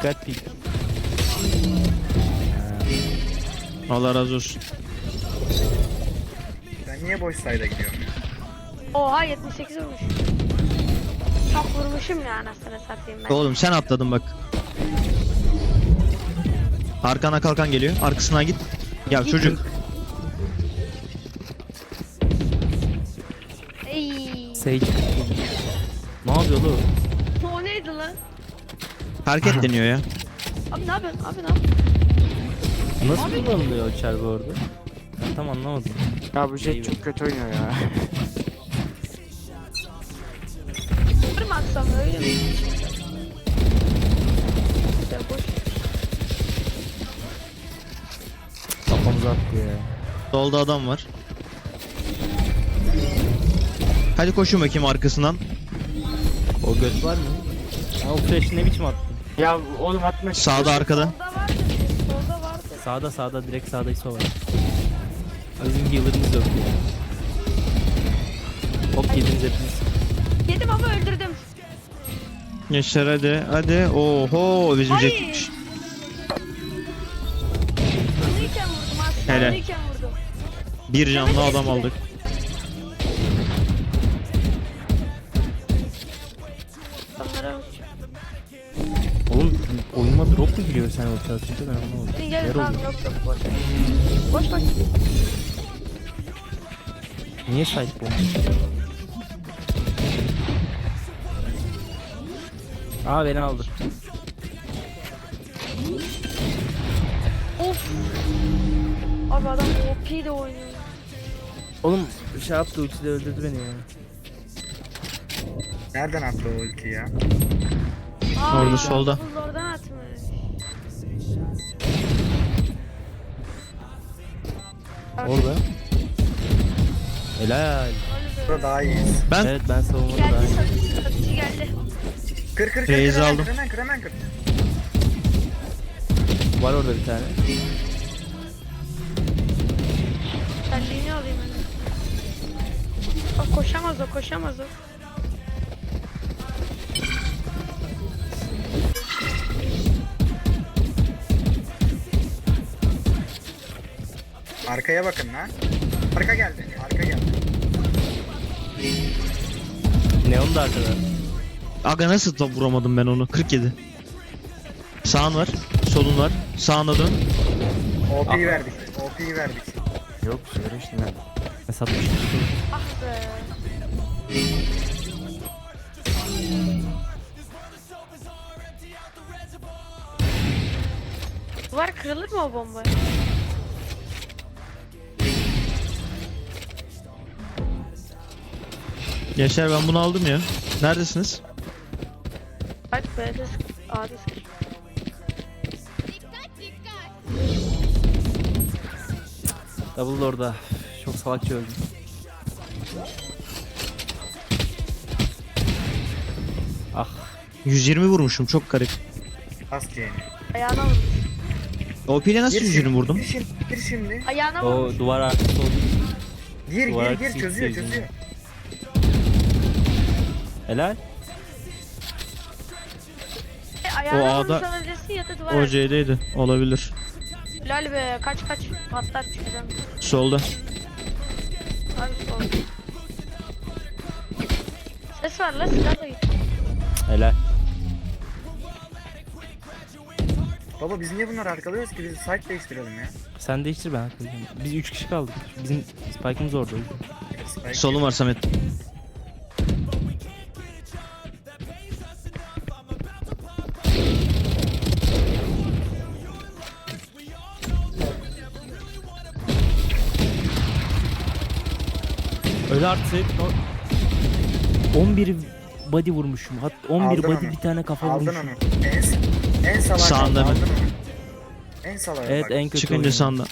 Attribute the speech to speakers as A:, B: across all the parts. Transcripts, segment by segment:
A: Dikkat pik.
B: Allah razı olsun.
C: Ben niye boş sayda gidiyorum ya?
D: Oha 78 vurmuş. Çok vurmuşum ya anasını satayım ben.
B: Oğlum sen atladın bak. Arkana kalkan geliyor. Arkasına git. Ya çocuk.
D: Ey.
A: Sage. Ne yapıyor oğlum?
D: O neydi lan?
B: Hareket deniyor ya.
D: Abi ne yapıyorsun? Abi ne yapıyorsun?
A: Nasıl kullanılıyor o çarpı orada? Ben tam anlamadım.
E: Ya bu Jet çok kötü oynuyor ya.
D: Sıfır mı atsam öyle mi? Ya boş.
A: Kafamıza attı ya.
B: Solda adam var. Hadi koşun bakayım arkasından.
A: O göt var mı? Ha, o flash ne biçim attın?
E: Ya oğlum atma.
B: Sağda arkada.
D: Solda vardı. Solda vardı.
A: Sağda direkt sağda ISO var. Bizim healer'ımız yok ya. Hop yediniz hepiniz.
D: Yedim ama öldürdüm.
B: Gençler hadi. Hadi. Oho bizim
D: Ay.
B: jetmiş.
D: Sonuyken vurdum aslında.
B: Helal.
D: Sonuyken vurdum.
B: Bir canlı adam aldık.
D: Onlara
A: Oğlum oyunuma drop mu giriyor sen ortaya atınca ben anlamadım.
D: gel
A: Yer
D: tamam
A: oldu.
D: yok boş. Boş boş.
A: Niye sahip bu? Aa beni aldı.
D: Of. Abi adam OP de oynuyor.
A: Oğlum şey yaptı ulti de öldürdü beni ya.
C: Nereden attı o ulti ya?
D: Aa,
B: Orada solda.
D: Buz oradan atmış.
A: Orada. Helal.
C: Burada daha iyiyiz.
B: Ben
A: Evet ben savunmadım
D: Geldi
A: daha.
D: satıcı geldi.
C: Kır
B: Reis
C: hemen
B: aldım.
C: kır hemen kır hemen kır.
A: Var orada bir tane.
D: Terliğini alayım hemen. Bak koşamaz o koşamaz o.
C: Arkaya bakın lan. Arka geldi. Arka geldi.
A: Neon da arkada.
B: aga nasıl top vuramadım ben onu? 47. Sağın var. Solun var. Sağına dön.
C: OP'yi verdik. OP'yi verdik.
E: Yok söyle işte ne.
A: Ne satmış?
D: Ah be. Duvar kırılır mı o bomba?
B: Gençler ben bunu aldım ya. Neredesiniz?
D: Bak B'de A'da sıkışmış.
A: Double orada. Çok salakça öldüm. Ah.
B: 120 vurmuşum çok garip.
C: Bas C'ni.
D: Ayağına vurmuş.
B: OP ile nasıl 120 vurdum?
C: Gir şimdi.
D: Ayağına vurmuş.
A: O duvar arkası olduğu için.
C: Gir
A: Duvara
C: gir çözüyor
A: çizgi
C: çözüyor.
A: Helal.
D: Ayağına
B: O A'da-
D: vurmuş olabilirsin ya da duvar
B: O
D: arkası.
B: C'deydi. Olabilir.
D: Lal be kaç patlar çıkacağım.
B: Solda.
D: Abi sol. Ses var la silahla git.
A: Helal.
C: Baba biz niye bunları arkalıyoruz ki? Biz site değiştirelim ya.
A: Sen değiştir ben hakikaten. Biz 3 kişi kaldık. Bizim spike'ımız orada.
C: Spike.
B: Solun var Samet.
A: Öyle artık. 11 body vurmuşum. 11
C: Aldın
A: body
C: onu.
A: bir tane kafa
C: Aldın
A: vurmuşum.
C: onu. En salağa
B: Sağında
C: kaldı,
B: mı?
C: aldın onu. En salağa
A: Evet
C: bak.
A: en kötü
B: Çıkınca
A: oyun.
B: sağında.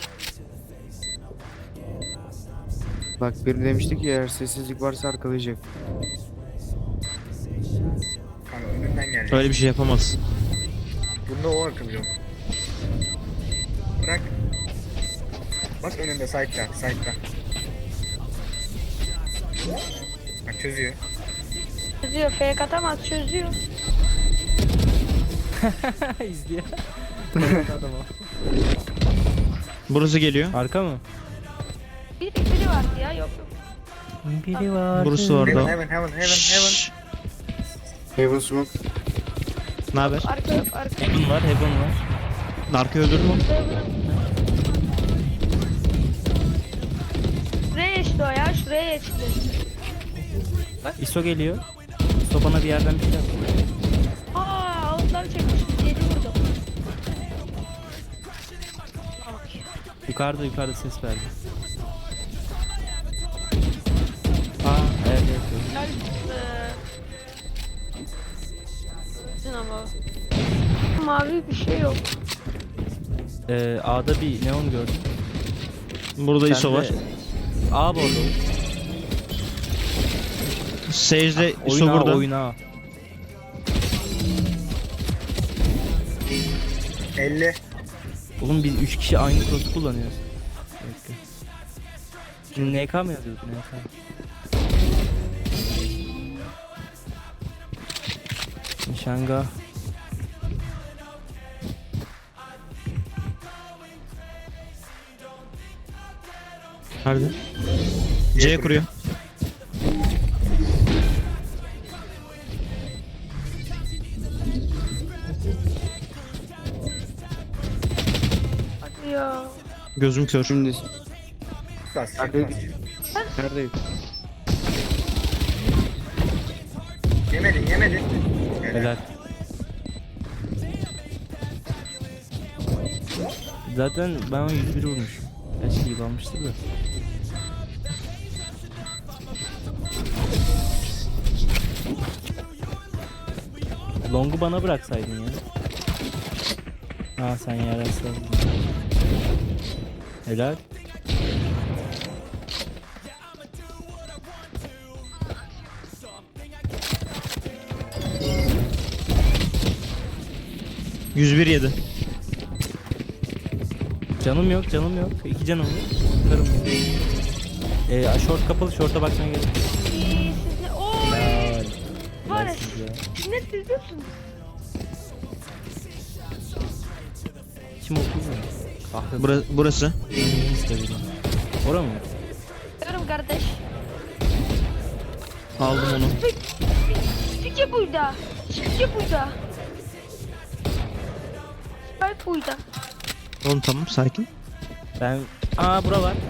E: Bak biri demişti ki eğer sessizlik varsa arkalayacak.
C: Kanka önünden gelecek.
B: Öyle bir şey yapamaz.
C: Bunda o akıl yok. Bırak. Bak önünde side'da side'da. Bak çözüyor.
D: Çözüyor fake atamaz çözüyor.
A: İzliyor. Adam o.
B: Burası geliyor.
A: Arka mı?
D: Biri vardı ya, yok yok.
A: Biri var.
B: Burası
C: Heaven
B: orada.
C: heaven heaven heaven heaven.
B: Şşş.
E: Heaven smoke.
B: Ne haber?
D: Arka yok, arka.
A: Heaven var, Heaven var.
B: Narko öldürdün mü?
D: Şuraya geçti o ya, şuraya geçti.
A: ISO geliyor. ISO bana bir yerden bir şey yaptı.
D: Ağızdan çekmiş, 7 vurdum. Bak ya.
A: Yukarıda ses verdi. Evet.
D: Gel. Ama. Mavi bir şey yok.
A: A'da bir neon gördüm.
B: Burada
A: Sen
B: ISO
A: de-
B: var.
A: A bordo.
B: Sage'de ISO
A: Oyna
B: burada.
A: oyna.
C: 50.
A: Oğlum biz 3 kişi aynı cross kullanıyoruz. Bekle. Şimdi NK mı yazıyorduk NK? Nişanga.
B: Nerede? C kuruyor.
D: Hadi ya.
B: Gözüm kör.
E: Şimdi
C: Bas.
E: Hadi.
C: bas.
E: neredeyim?
C: Yemedin yemedin.
A: Helal. Zaten ben ona 101 vurmuşum. Eski gibi almıştı da. Long'u bana bıraksaydın ya. Ha sen yarasın. Helal.
B: %107.
A: Canım yok. 2 canım var. Karım yok. Short kapalı, short'a bakmaya gerek yok.
D: Siz ne? Oy.
A: Helal.
D: Var ya.
A: Helalsiniz ya.
D: Siz ne çiziyorsunuz?
A: Kim okuyor mu? Kahve.
B: Burası.
A: Ora mı?
D: Görüm kardeş.
B: Aldım onu.
D: Fikir buyda. Fikir buyda. Spike buyda.
B: Oğlum tamam sakin.
A: Ben... bura var.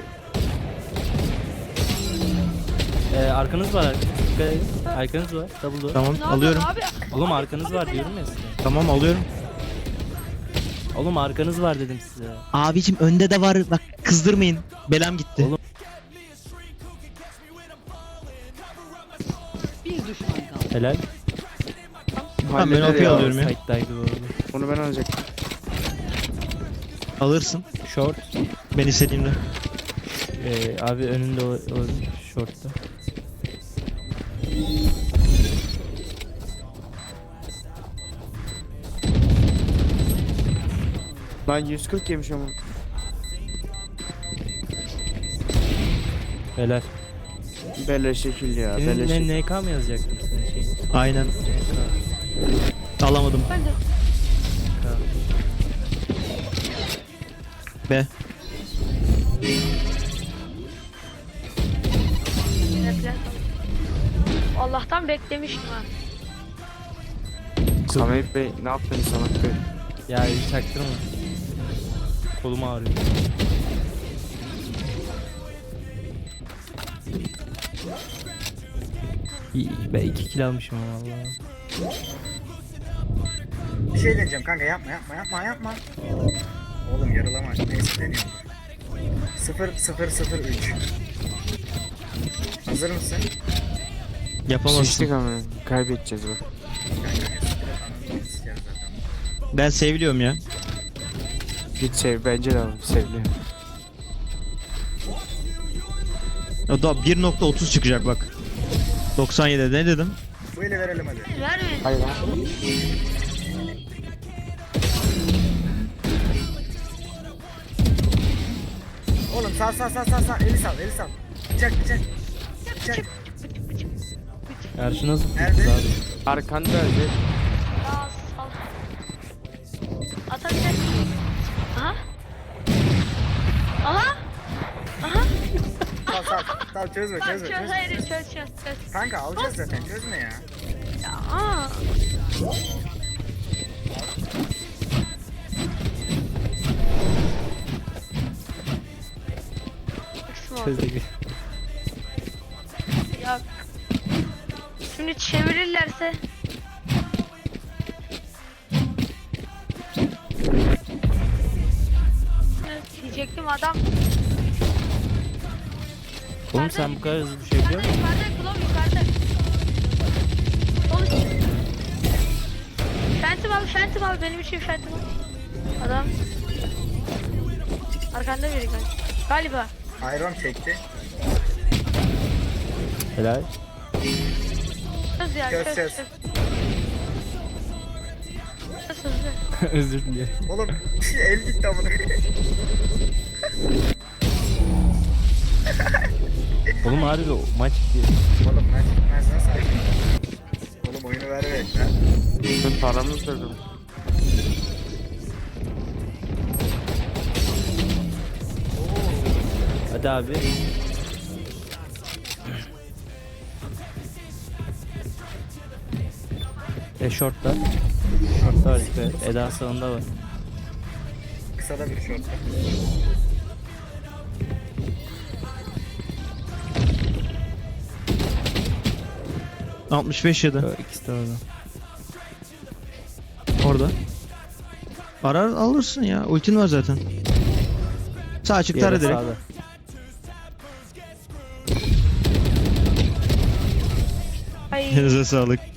A: Arkanız var. Dikkat edin. Arkanız var. Double door.
B: Tamam
D: Ne
B: alıyorum.
D: yapıyorsun abi?
A: Oğlum arkanız var diyorum ya size.
B: Tamam alıyorum.
A: Oğlum arkanız var dedim size.
B: Abicim önde de var. Bak kızdırmayın. Belam gitti.
A: Oğlum. Helal.
B: Tamam ben
E: Halleder
B: OP
E: ya.
B: alıyorum ya.
A: Side'daydı bu arada.
E: Onu ben alacaktım.
B: Alırsın.
A: Short.
B: Ben istediğimde.
A: Abi önünde o short'ta.
E: Lan 140 yemiş ama.
A: Helal.
E: Bele şekil ya. Bele
A: Senin
E: şekil.
A: ne NK mı yazacaktım senin şeyin?
B: Aynen.
A: NK.
B: Alamadım.
D: Ben de.
B: B.
D: Allah'tan beklemiştim ha.
E: Samet Bey ne yaptın Samet Bey?
A: Ya hiç çaktırma. Kolum ağrıyor. Ben 2 kill almışım valla.
C: Bir şey deneyeceğim kanka yapma. Oğlum yarılama. Neyse deniyorum. 0-0-0-3. Hazır mısın?
E: Sıçtık
B: Yapamazsın.
E: ama kaybedeceğiz bak.
C: Kanka ananı sikeriz zaten.
B: Ben seviliyorum ya.
E: Git sev bence de alalım sevli.
B: O da 1.30 çıkacak bak. 97 ne dedim?
C: Bu eli verelim hadi.
D: Vermeyin.
E: Hayır lan.
C: Oğlum sağ. Eli sal. Bıçak.
A: Karşı nasıl
C: Nerede?
A: tuttu abi?
E: Arkanda öyle.
D: Ya sal.
C: Tamam çözme
D: Lan
C: çözme
D: çöz
C: çözme.
D: hayır çöz.
C: Kanka alacağız zaten çözme ya.
D: Ya aa. Kısmı oldu.
A: Çözdük.
D: Ya. Şimdi çevirirlerse. Evet, diyecektim adam.
A: Oğlum sen bu kadar hızlı düşebiliyor musun?
D: Yukarıda Klov yukarıda. Sol üst. Phantom al benim için Phantom al. Adam. Arkanda biri galiba.
C: Iron çekti.
A: Helal.
D: Çöz ya
C: Çöz,
D: çöz
C: çöz.
D: çöz. Çöz hızlı.
A: Özür dilerim.
C: Oğlum el gitti amına koyayım.
A: Oğlum harbi o maç diyor.
C: Oğlum ben çıkmaz nasıl açayım? Oğlum oyunu ver be lan.
E: Ben paramı kırdım.
A: Hadi abi. Short'ta. Short'ta var işte. Eda sağında var.
C: Kısa da bir short.
B: 65 ya da
A: İkisi de orada.
B: orada. Arar alırsın ya. Ultin var zaten. Sağ açık
A: Diğeri
B: tara direkt.
A: sağda.
D: Ay
B: Elinize sağlık.